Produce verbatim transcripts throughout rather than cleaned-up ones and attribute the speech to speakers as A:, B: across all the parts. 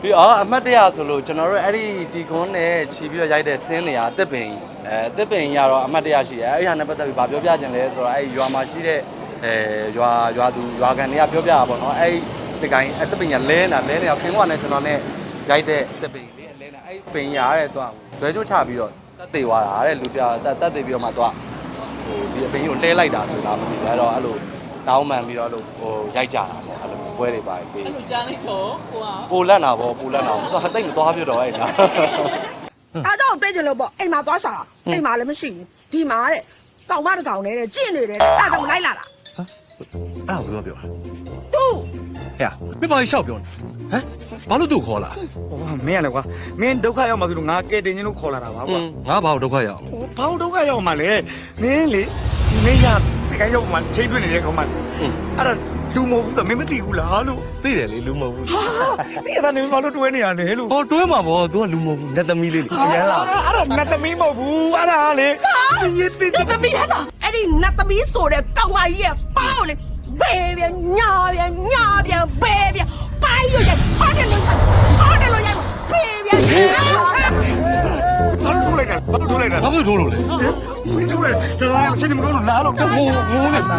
A: ပြီးတော့အမှတ်တရဆိုလို့ကျွန်တော်တို့အဲ့ဒီဒီကွန်းနဲ့ခြီးပြီးတော့ရိုက်တဲ့ဆင်းနေရအသစ်ပင်အဲအသစ်ပင်ရတော့အမှတ်တရရှိတယ်အဲ့ဒီဟာနဲ့ပတ်သက်ပြီးဗာပြောပြခြင်းလဲဆိုတော့အဲ့ဒီရွာမှာရှိတဲ့အဲရွာရွာသူရွာကန်တွေကပြောပြတာပေါ့နော်အဲ့ဒီကိုင်းအသစ်ပင်ရလဲနေတာလဲနေတာခင်ဗျာနဲ့ကျွန်တော်နဲ့ရိုက်တဲ့အသစ်ပင်လေးလဲနေတာအဲ့ပင်ရတဲ့တော့ဇွဲကျိုးချပြီးတော့တက်သေးသွားတာတဲ့လူပြတက်တက်သေးပြီးတော့မှတော့ဟိုဒီအပင်ကိုလဲလိုက်တာဆိုတာမသိဘူးအဲ့တော့အဲ့လိုတောင်းမှန်ပြီးတော့လို့ဟိုရိုက်ကြတာပေါ့အဲ့လိုပွဲတွေပါပြီး
B: အဲ့လိုကြားလိုက်တော့ဟိုက
A: ပိုလက်နာပေါ့ပိုလက်နာတော့တိတ်မသွားပြတော့အဲ့ဒါ
C: အားကြောင့်တွေ့ကြလို့ပေါ့အိမ်မှာသွားရှာတာအိမ်မှာလည်းမရှိဘူးဒီမှာတဲ့ကောင်မတစ်ကောင်နဲ့ကျင့်နေတယ်တဲ့အဲ့ဒါကြောင့်လိုက်လာတာ
D: အဲ့ဒါကိုပြောတာ
C: တူ
D: ဟဲ့မင်းဘာရှောက်ပြောဟမ်ဘာလို့သူ့ခေါ်လာ
E: ဟိုမင်းရလေကွာမင်းဒုက္ခရောက်မှဆိုလို့ငါကဲတင်ချင်းလို့ခေါ်လာတာပါကွာ
D: ငါဘာလို့ဒုက္ခရောက်
E: ဟိုဘာလို့ဒုက္ခရောက်မှလဲမင်းလေမင်းရတကယ်ရောက်မှချိန်တွေ့နေတဲ့ကောင်မအဲ့ဒါလူမဟုတ်ဘူးဆိုမင်းမသိဘူးလားလို့
D: သိတယ်လေလူမဟုတ်ဘူး
E: သိရတာနေဘာလို့တွဲနေရလဲလို့
D: ဟောတွဲမှာဗော तू ကလူမဟုတ်ဘူးနတ်သမီးလေးလေ
E: ရန်လာအဲ့ဒါနတ်သမီးမဟုတ်ဘူးအဲ့ဒါလေ
C: ရေးတိနတ်သမီးဟဲ့လားအဲ့ဒီနတ်သမီးဆိုတဲ့ကောင်မကြီးရဲ့ပေါလေဘယ်ပြန်ညာပြန်ညာပြန်ဘယ်ပြန်ပိုင်းရရဟောတယ်လို့ဟောတယ်လို့ရဘယ်ပြန်
E: ဘာလို့ထိုးလိုက်တာဘာလို့ထိုးလိုက်တာ
D: ဘာလို့ထိုးလို့လဲ
E: မင်းထိုးလိုက်ဒါအချင်းမကောင်းလို့နားလို့ငိုငိုနေတာ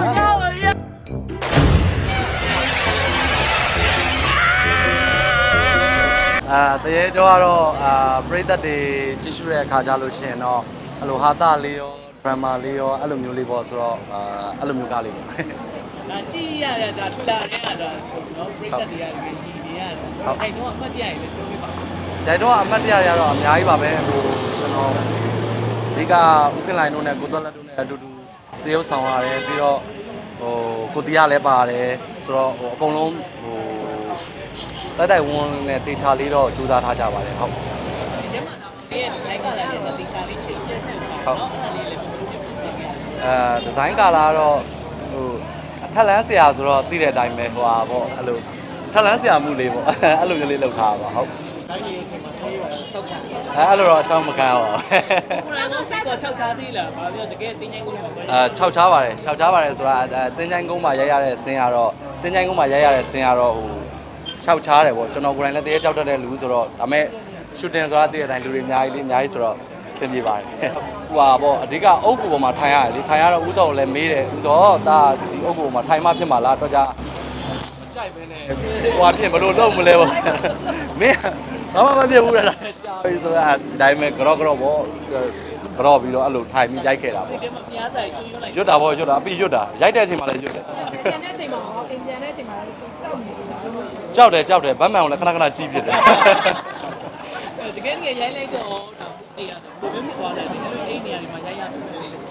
A: အာတရေကျော်ကတော့အာပရိသတ်တွေကြည့်ရှုတဲ့အခါကြလို့ရှိရင်တော့အဲ့လိုဟာတာလေးရောဒရမာလေးရောအဲ့လိုမျိုးလေးပေါ့ဆိုတော့အာအဲ့လိုမျိုးကားလေးပေါ့
B: ဒါကြည့်ရတာဒါထူလာတဲ့ကဒါနော်ပရိသတ်တွေကဒီနေရတယ်အဲ့တော့အမှတ်တရရလည်းပြောပြပါ
A: ရိုက်တော့အမှတ်တရရတော့အများကြီးပါပဲဟိုကျွန်တော်ဒီကဥက္ကလိုင်းတို့နဲ့ကိုသွက်လက်တို့နဲ့အတူတူတရုပ်ဆောင်ရတယ်ပြီးတော့ဟိုကိုတီးရလည်းပါတယ်ဆိုတော့ဟိုအကုန်လုံးဟိုတိုက်တိုက်ဝန်းနဲ့တေချာလေးတော့စူးစမ်းထားကြပါတယ်ဟုတ်
B: ဒီထဲမှာတော့ဒီရဲ့ဒီကလာတဲ့တေချာလေးချိန်ပြည့်စုံတာနော်အဲ့လေးလည်းဘယ်လိုဖြစ်ဖြစ်ခဲ့
A: အဲဒီဇိုင်းကာလာကတော့ဟိုထက်လန်းဆရာဆိုတော့သိတဲ့အတိုင်းပဲဟိုဟာပေါ့အဲ့လိုထက်လန်းဆရာမှုလေးပေါ့အဲ့လိုမျိုးလေးလုပ်ထားပါဟုတ်
B: တိုင်းကြီးအချိန်မှာထိုးရတာဆောက်ခံ
A: အဲအဲ့လိုတော့အချောင်းမကန်းပါဘူး
B: ကိုယ်တိုင်ကစိတ်က၆ချားသေးလားဘာပြောတကယ်တင်းချိုင်းကုန်းမှာပဲ
A: အဲ၆ချားပါတယ်၆ချားပါတယ်ဆိုတာတင်းချိုင်းကုန်းမှာရိုက်ရတဲ့ဆင်းရတော့တင်းချိုင်းကုန်းမှာရိုက်ရတဲ့ဆင်းရတော့ဟို၆ချားတယ်ပေါ့ကျွန်တော်ကိုယ်တိုင်လည်းတရေကြောက်တတ်တဲ့လူဆိုတော့ဒါမဲ့ရှူတင်ဆိုတာသိတဲ့အတိုင်းလူတွေအများကြီးလေးအများကြီးဆိုတော့ဆင်ပြေပါတယ်ဟိုပါပေါ့အဓိကအုပ်ကူပေါ်မှာထိုင်ရတယ်လေထိုင်ရတော့ဥတော်ကိုလည်းမေးတယ်ဥတော်ဒါဒီအုပ်ကူပေါ်မှာထိုင်မှဖြစ်မှာလားတော့ကြကြိုက်ပဲနဲ့ဟိုအပြင်ဘလို့လုံးမလဲပေါ့မင်းဘာမှမဖြစ်ဘူးလားကြာပြီဆိုတော့ဒီတိုင်းပဲကြော့ကြော့ပေါ့ကြော့ပြီးတော့အဲ့လိုထိုင်ပြီးရိုက်ခဲ့တာပေါ့
B: ဒီမှာဖျားဆိုင်ကျွတ်လိုက်
A: ရွတ်တာပေါ့ရွတ်တာအပြီးရွတ်တာရိုက်တဲ့အချိန်မှာလည်းရွတ်တယ်
C: ပြန်တဲ့အချိန်မှာဟောအိမ်ပြန်တဲ့အချိန်မှာကြောက်နေတယ်လို့ရှိ
A: ကြောက်တယ်ကြောက်တယ်ဗတ်မှန်ကိုလည်းခဏခဏကြည့်ဖြစ်တယ်
B: တကယ်ကြီးရိုက်လိုက်တော့တော့တေးရတယ်ဘယ်လိုမျိုးသွားလဲဒီလိုအိမ်နေရာဒီမှာရိုက်ရတယ်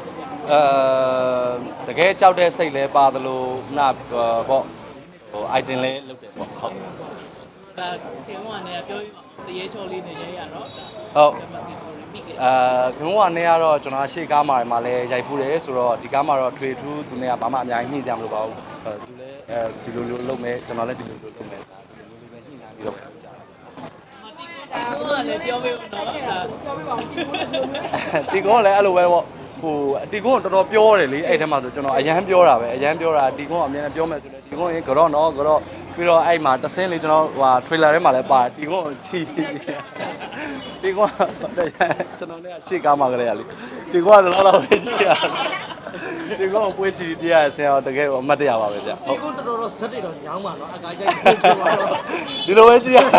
A: အဲတကယ်ကြောက်တဲ့စိတ်လဲပါသလိုခုနပေါ့ဟို item လဲလုပ်တယ်ပေါ့ဟုတ်
B: ဒါခင်ဗျာနဲ့ပြောပြီးတရေချော်လေးနဲ့ရိုက်ရတော့
A: ဟုတ်အဲခင်ဗျာနဲ့ကတော့ကျွန်တော်ရှေ့ကားမှာမှာလဲရိုက်ဖူးတယ်ဆိုတော့ဒီကားမှာတော့ထွေထူးသူနဲ့ကဘာမှအများကြီးညှိစရာမလိုပါဘူးသူလည်းအဲဒီလိုလိုလုပ်မယ်ကျွန်တော်လည်းဒီလိုလိုလုပ်မယ်ဒါဒီလိုလိုပဲညှိနှိုင်းပြီးတော့လုပ်ကြတာ
B: ဟိုကလည်းပြောပြီးတော့ပြောပြီးပါဦး
A: တီကွန်လည်းအဲ့လိုပဲပေါ့ဟိုတီကွန်တော်တော်ပြောတယ်လေအဲ့ထဲမှာဆိုကျွန်တော်အရန်ပြောတာပဲအရန်ပြောတာတီကွန်အမြဲတမ်းပြောမယ်ဆိုလဲတီကွန်ရင်ကြော့နော်ကြော့ပြီးတော့အဲ့မှာတဆင်းလေးကျွန်တော်ဟိုထွေလာထဲမှာလည်းပါတီကွန်ချီတီကွန်ကျွန်တော်လည်းရှေ့ကားမှာကြရလေတီကွန်ကတော့တော့ပဲရှိရတီကွန်ပွဲချီပြရဆရာတကယ်အမှတ်တရပါပဲဗျ
E: ဟုတ်တီကွန်တော်တော်ဇက်တွေတော့ညောင်းပါနော်အကားကြိုက်ပြေးဆိုတော့
A: ဒီလိုပဲကြည့်ရ
C: လည်း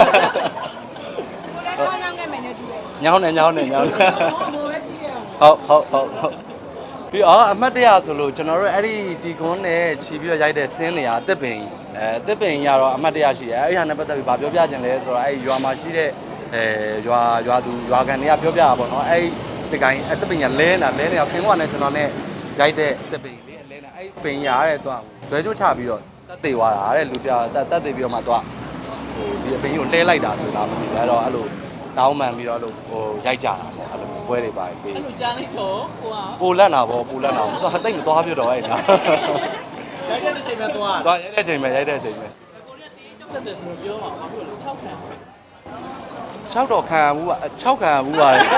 C: ညောင်းခဲ့မယ်နဲ့တူတယ်
A: ညောင်းနေညောင်းနေညောင်းနေ
C: လိုပဲကြည့်ရ
A: အောင်ဟုတ်ဟုတ်ဟုတ်ပြီးတော့အမှတ်တရဆိုလို့ကျွန်တော်တို့အဲ့ဒီဒီကွန်းနဲ့ခြီးပြီးတော့ရိုက်တဲ့ဆင်းနေရအသစ်ပင်အဲအသစ်ပင်ရတော့အမှတ်တရရှိတယ်အဲ့ဒီဟာနဲ့ပတ်သက်ပြီးဗာပြောပြခြင်းလဲဆိုတော့အဲ့ဒီရွာမှာရှိတဲ့အဲရွာရွာသူရွာကန်တွေကပြောပြတာပေါ့နော်အဲ့ဒီကိုင်းအသစ်ပင်ရလဲနေတာလဲနေတာခင်ဗျာနဲ့ကျွန်တော်နဲ့ရိုက်တဲ့အသစ်ပင်လေးလဲနေတာအဲ့ပင်ရတဲ့တော့ဇွဲကျိုးချပြီးတော့တက်သေးသွားတာတဲ့လူပြတက်တက်သေးပြီးတော့မှတော့ဟိုဒီအပင်ကိုလဲလိုက်တာဆိုတာမသိဘူးအဲ့တော့အဲ့လိုတောင်းမှန်ပြီးတော့လို့ဟိုရိုက်ကြတာပေါ့အဲ့လိုပွဲတွေပါပြီး
B: အဲ့လိုကြားလိုက်တော့ဟိုက
A: ပိုလက်နာပေါ့ပိုလက်နာတော့တိတ်မသွားပြတော့အဲ့ဒါ
B: ရိုက်တဲ့အချိန်မှာသွား
A: သွားရိုက်တဲ့အချိန်မှာရိုက်တဲ့အချိန်မှာ
B: ကိုရီးယားတေးကြောက်တဲ့ဆိုပြောပါဘာဖြစ်လို့၆ခံ
A: ၆တော့ခံဘူးက၆ခံဘူးပါလေ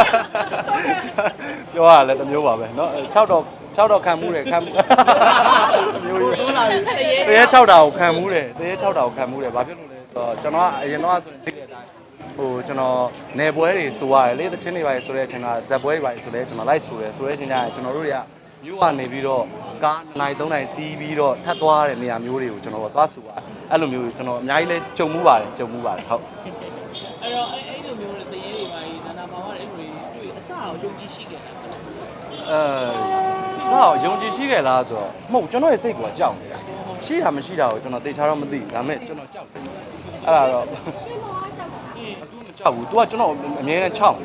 A: ပြောရလဲတမျိုးပါပဲเนาะ၆တော့၆တော့ခံမှုတယ်ခံမှုမျိုးကြီးတရေ၆တာကိုခံမှုတယ်တရေ၆တာကိုခံမှုတယ်ဘာဖြစ်လို့လဲဆိုတော့ကျွန်တော်ကအရင်တော့ဆိုရင်သိတယ်ဟိုကျွန်တော်နယ်ပွဲတွေဆိုရတယ်လေတချင်းတွေပါဆိုတဲ့အချိန်ကဇက်ပွဲတွေပါဆိုလဲကျွန်တော်လိုက်ဆိုရဲဆိုတဲ့အချိန်ကျရင်ကျွန်တော်တို့တွေကမြို့ကနေပြီးတော့ကားနိုင်သုံးနိုင်စီးပြီးတော့ထပ်သွားတဲ့နေရာမျိုးတွေကိုကျွန်တော်တို့သွားဆိုရတယ်အဲ့လိုမျိုးကျွန်တော်အများကြီးလဲကြုံမှုပါတယ်ကြုံမှုပါတယ်ဟုတ်
B: အဲ့တော့အဲ့အဲ့လိုမျိုးတရေတွေပါကြီးနာနာမောင်ကအဲ့လိုတွေ့အစအောင်ယုံကြည်ရှိခဲ့တာ
A: အဲဆောက်ယုံကြည်ရှိခဲ့လားဆိုတော့မဟုတ်ကျွန်တော်ရဲ့စိတ်ကကြောက်နေတာရှိတာမရှိတာကိုကျွန်တော်သေချာတော့မသိဘူးဒါပေမဲ့ကျွန်တော်ကြောက်တယ်အဲ့ဒါတော့ तू မကြောက်ဘူး तू ကကျွန်တော်အမြဲတမ်းချောက်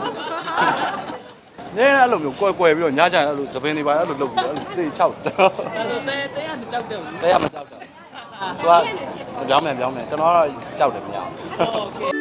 A: နေအဲ့လိုမျိုးကွယ်ကွယ်ပြီးတော့ညကြအဲ့လိုသပင်းတွေပါအဲ့လိုလုပ်ပြီးအဲ့လိုသေချောက်တယ်
B: အဲ့တော့တဲတဲကမကြောက်တော့ဘူး
A: တဲရမကြောက်တော့ तू ကပြောင်းမယ်ပြောင်းမယ်ကျွန်တော်ကတော့ကြောက်တယ်မရဘူး
B: โอเค